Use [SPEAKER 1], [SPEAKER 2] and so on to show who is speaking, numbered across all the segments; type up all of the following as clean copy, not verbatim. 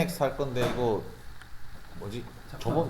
[SPEAKER 1] KNX 할 건데 이거 뭐지? 저번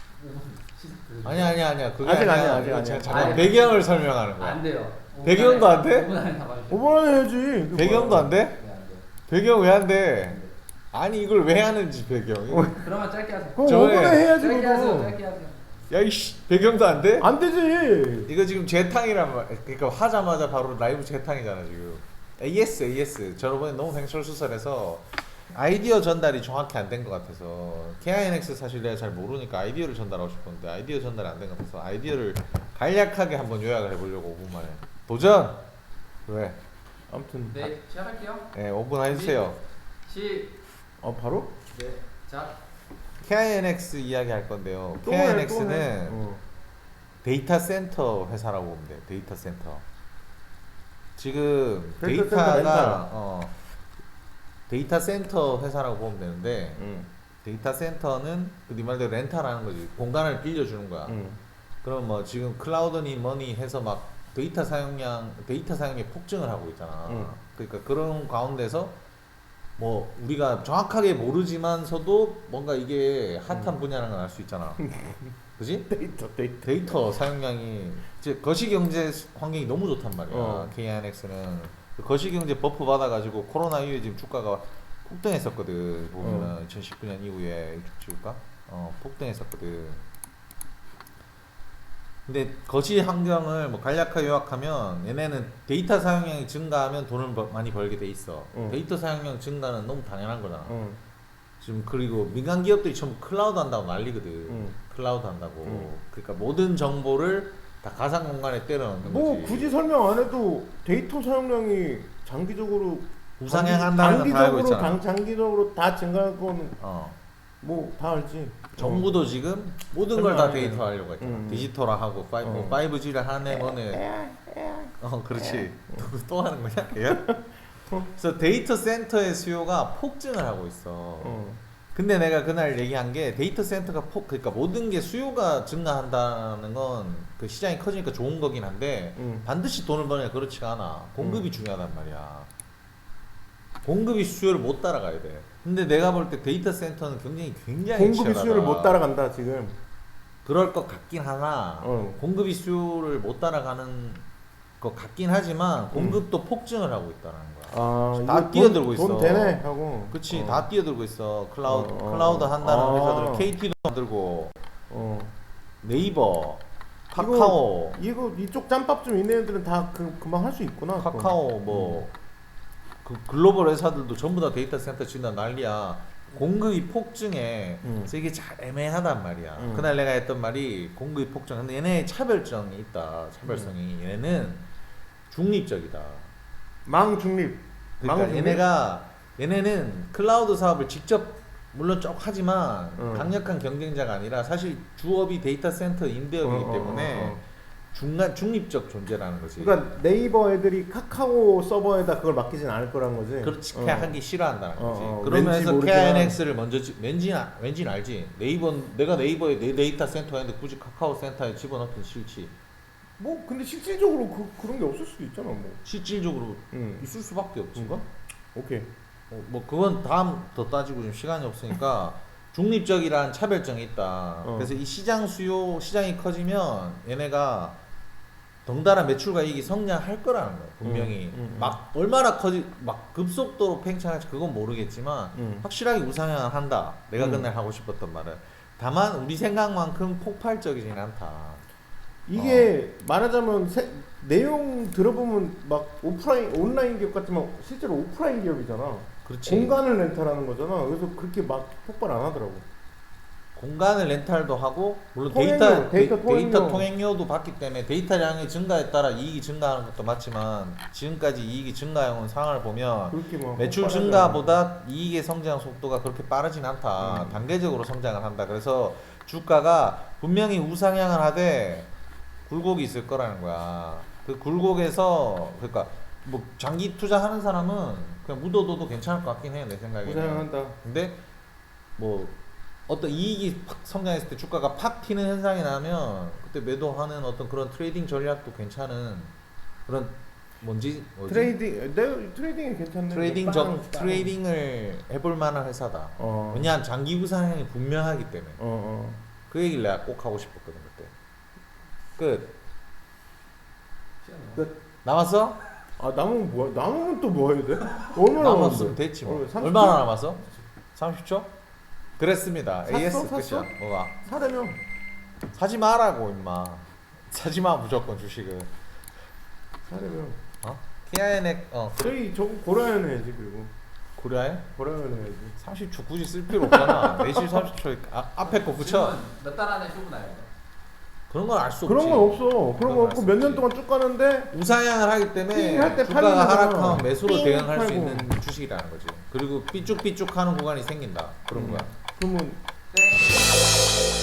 [SPEAKER 1] 아니야 그게
[SPEAKER 2] 아직
[SPEAKER 1] 아니야.
[SPEAKER 2] 아니야.
[SPEAKER 1] 이거 잠깐
[SPEAKER 3] 아니,
[SPEAKER 1] 배경을 설명하는 거야.
[SPEAKER 3] 안 돼요.
[SPEAKER 1] 배경도 안 돼?
[SPEAKER 3] 5분 안에 다 봐주세요.
[SPEAKER 2] 5분 안에 해야지.
[SPEAKER 1] 배경도 안 돼?
[SPEAKER 3] 네, 안 돼요.
[SPEAKER 1] 배경 왜 안 돼? 아니 이걸 왜 하는지 배경.
[SPEAKER 3] 그러면 짧게 하세요.
[SPEAKER 2] 그럼
[SPEAKER 1] 저번에
[SPEAKER 2] 5분에 해야지
[SPEAKER 3] 짧게 하세요.
[SPEAKER 2] 그거.
[SPEAKER 3] 짧게 하세요.
[SPEAKER 1] 야 이씨 배경도 안 돼?
[SPEAKER 2] 안 되지.
[SPEAKER 1] 이거 지금 재탕이란 말. 그러니까 하자마자 바로 라이브 재탕이잖아 지금. AS. 저번에 너무 횡설수설해서 아이디어 전달이 정확히 안 된 것 같아서 KINX 사실 내가 잘 모르니까 아이디어를 전달하고 싶었는데 아이디어 전달이 안 된 것 같아서 아이디어를 간략하게 한번 요약을 해보려고 5분 만에 도전! 왜?
[SPEAKER 2] 아무튼.
[SPEAKER 3] 네, 시작할게요.
[SPEAKER 1] 네 5분 해주세요.
[SPEAKER 2] 바로?
[SPEAKER 3] 네, 자.
[SPEAKER 1] KINX 이야기 할 건데요.
[SPEAKER 2] 또 해, 또
[SPEAKER 1] KINX는
[SPEAKER 2] 해.
[SPEAKER 1] 데이터 센터 회사라고 보면 돼요. 데이터 센터. 지금
[SPEAKER 2] 데이터 센터
[SPEAKER 1] 데이터가
[SPEAKER 2] 렌탈.
[SPEAKER 1] 데이터 센터 회사라고 보면 되는데
[SPEAKER 2] 응.
[SPEAKER 1] 데이터 센터는 네 말대로 렌탈하는 거지. 공간을 빌려주는 거야.
[SPEAKER 2] 응.
[SPEAKER 1] 그럼 뭐 지금 클라우드니 뭐니 해서 막 데이터 사용량이 폭증을 하고 있잖아. 그러니까 그런 가운데서 뭐 우리가 정확하게 모르지만서도 뭔가 이게 핫한 분야라는 걸 알 수 있잖아. 그지? 데이터 사용량이 이제 거시경제 환경이 너무 좋단 말이야. KINX는 거시경제 버프 받아가지고 코로나 이후에 지금 주가가 폭등했었거든. 보면은 2019년 이후에 주가 폭등했었거든. 근데 거시 환경을 뭐 간략하게 요약하면 얘네는 데이터 사용량이 증가하면 돈을 많이 벌게 돼 있어. 데이터 사용량 증가는 너무 당연한 거잖아. 지금 그리고 민간 기업들이 전부 클라우드 한다고 난리거든. 클라우드 한다고. 그러니까 모든 정보를 다 가상 공간에 때려 넣는
[SPEAKER 2] 뭐
[SPEAKER 1] 거지.
[SPEAKER 2] 굳이 설명 안 해도 데이터 사용량이 장기적으로
[SPEAKER 1] 우상향한다는 건 다 알고 있잖아.
[SPEAKER 2] 장기적으로 다 증가할 거는 뭐 다 알지.
[SPEAKER 1] 정부도 지금 모든 걸 다
[SPEAKER 2] 설명 안 해.
[SPEAKER 1] 데이터 하려고 했잖아. 디지털화하고 5G를 하네 뭐네. 그렇지. 또 하는 거냐? 얘야? 그래서 데이터 센터의 수요가 폭증을 하고 있어. 근데 내가 그날 얘기한 게 데이터 센터가 그러니까 모든 게 수요가 증가한다는 건 그 시장이 커지니까 좋은 거긴 한데 반드시 돈을 버냐 그렇지가 않아. 공급이 중요하단 말이야. 공급이 수요를 못 따라가야 돼. 근데 내가 볼 때 데이터 센터는 굉장히
[SPEAKER 2] 공급이
[SPEAKER 1] 치열하다.
[SPEAKER 2] 수요를 못 따라간다 지금.
[SPEAKER 1] 그럴 것 같긴 하나 공급이 수요를 못 따라가는 것 같긴 하지만 공급도 폭증을 하고 있다는 거야. 다 뛰어들고 있어.
[SPEAKER 2] 돈 되네 하고.
[SPEAKER 1] 그치 다 뛰어들고 있어. 클라우드 한다는 회사들 KT도 만들고 네이버, 카카오
[SPEAKER 2] 이거 이쪽 짬밥 좀 있는 애들은 다 금방 할 수 있구나.
[SPEAKER 1] 카카오 뭐 그 글로벌 회사들도 전부 다 데이터 센터 짓는다 난리야. 공급이 폭증해. 그래서 이게 잘 애매하단 말이야. 그날 내가 했던 말이 공급이 폭증. 근데 얘네 차별성이 있다. 차별성이. 얘네는 중립적이다.
[SPEAKER 2] 망중립.
[SPEAKER 1] 그러니까 얘네는 클라우드 사업을 직접 물론 쭉 하지만 강력한 경쟁자가 아니라 사실 주업이 데이터 센터 임대업이기 때문에 중립적 존재라는 거지.
[SPEAKER 2] 그러니까 네이버 애들이 카카오 서버에다 그걸 맡기진 않을 거란 거지.
[SPEAKER 1] 그렇게 하기 싫어한다는 거지.
[SPEAKER 2] 왠지
[SPEAKER 1] 그러면서
[SPEAKER 2] 모르지만.
[SPEAKER 1] KINX를 먼저 왠지는 알지. 내가 네이버에 내 데이터 센터가 있는데 굳이 카카오 센터에 집어넣긴 싫지.
[SPEAKER 2] 뭐 근데 실질적으로 그런 게 없을 수도 있잖아 뭐.
[SPEAKER 1] 실질적으로 있을 수밖에 없지.
[SPEAKER 2] 뭔가? 오케이.
[SPEAKER 1] 뭐 그건 다음 더 따지고 좀 시간이 없으니까 중립적이란 차별성이 있다. 그래서 이 시장이 커지면 얘네가 덩달아 매출과 이익이 성장할 거라는 거야. 분명히 막 얼마나 막 급속도로 팽창할지 그건 모르겠지만 확실하게 우상향을 한다. 내가 그날 하고 싶었던 말은 다만 우리 생각만큼 폭발적이진 않다.
[SPEAKER 2] 이게 말하자면 내용 들어보면 막 온라인 기업 같지만 실제로 오프라인 기업이잖아.
[SPEAKER 1] 그렇지.
[SPEAKER 2] 공간을 렌탈하는 거잖아. 그래서 그렇게 막 폭발 안 하더라고.
[SPEAKER 1] 공간을 렌탈도 하고 물론
[SPEAKER 2] 데이터
[SPEAKER 1] 데이터 통행료도 받기 때문에 데이터량이 증가에 따라 이익이 증가하는 것도 맞지만 지금까지 이익이 증가해온 상황을 보면 매출 증가보다 이익의 성장 속도가 그렇게 빠르진 않다. 단계적으로 성장을 한다. 그래서 주가가 분명히 우상향을 하되 굴곡이 있을 거라는 거야. 그 굴곡에서 그러니까 뭐 장기 투자하는 사람은 그냥 묻어둬도 괜찮을 것 같긴 해 내 생각에.
[SPEAKER 2] 우상향한다.
[SPEAKER 1] 근데 뭐 어떤 이익이 팍 성장했을 때 주가가 팍 튀는 현상이 나면 그때 매도하는 어떤 그런 트레이딩 전략도 괜찮은 그런 뭐지?
[SPEAKER 2] 트레이딩이 괜찮네. 빵.
[SPEAKER 1] 트레이딩을 해볼 만한 회사다.
[SPEAKER 2] 어.
[SPEAKER 1] 왜냐하면 장기 우상향이 분명하기 때문에.
[SPEAKER 2] 어.
[SPEAKER 1] 그 얘기를 내가 꼭 하고 싶었거든 그때. 끝.
[SPEAKER 2] 끝.
[SPEAKER 1] 남았어?
[SPEAKER 2] 아 남으면 뭐야? 남으면 또 뭐 해야 돼? 얼마나
[SPEAKER 1] 남았으면
[SPEAKER 2] 남았는데?
[SPEAKER 1] 됐지 뭐.
[SPEAKER 2] 30초?
[SPEAKER 1] 얼마나 남았어? 30초? 그랬습니다.
[SPEAKER 2] 샀어?
[SPEAKER 1] AS
[SPEAKER 2] 샀어?
[SPEAKER 1] 끝이야. 뭐가?
[SPEAKER 2] 사려면
[SPEAKER 1] 사지 마라고 임마. 사지 마 무조건 주식은.
[SPEAKER 2] 사려면
[SPEAKER 1] 어? TINX
[SPEAKER 2] 저희 저거 고려해야 해야지. 그리고
[SPEAKER 1] 고려해?
[SPEAKER 2] 고려해야 해야지.
[SPEAKER 1] 30초 굳이 쓸 필요 없잖아. 매실 30초 앞에 거 붙여.
[SPEAKER 3] 몇달 안에 쇼부 나요?
[SPEAKER 1] 그런 건 알 수 없지.
[SPEAKER 2] 그런 건 없어. 그런 건
[SPEAKER 1] 알
[SPEAKER 2] 없고
[SPEAKER 1] 수
[SPEAKER 2] 몇 년
[SPEAKER 1] 없지.
[SPEAKER 2] 동안 쭉 가는데
[SPEAKER 1] 우상향을 하기 때문에
[SPEAKER 2] 삥 할때
[SPEAKER 1] 주가가
[SPEAKER 2] 팔리는
[SPEAKER 1] 하락하면
[SPEAKER 2] 거잖아.
[SPEAKER 1] 매수로
[SPEAKER 2] 삥
[SPEAKER 1] 대응할 수
[SPEAKER 2] 팔고.
[SPEAKER 1] 있는 주식이라는 거지. 그리고 삐쭉삐쭉하는 구간이 생긴다. 그런 거야.
[SPEAKER 2] 그러면
[SPEAKER 3] 땡.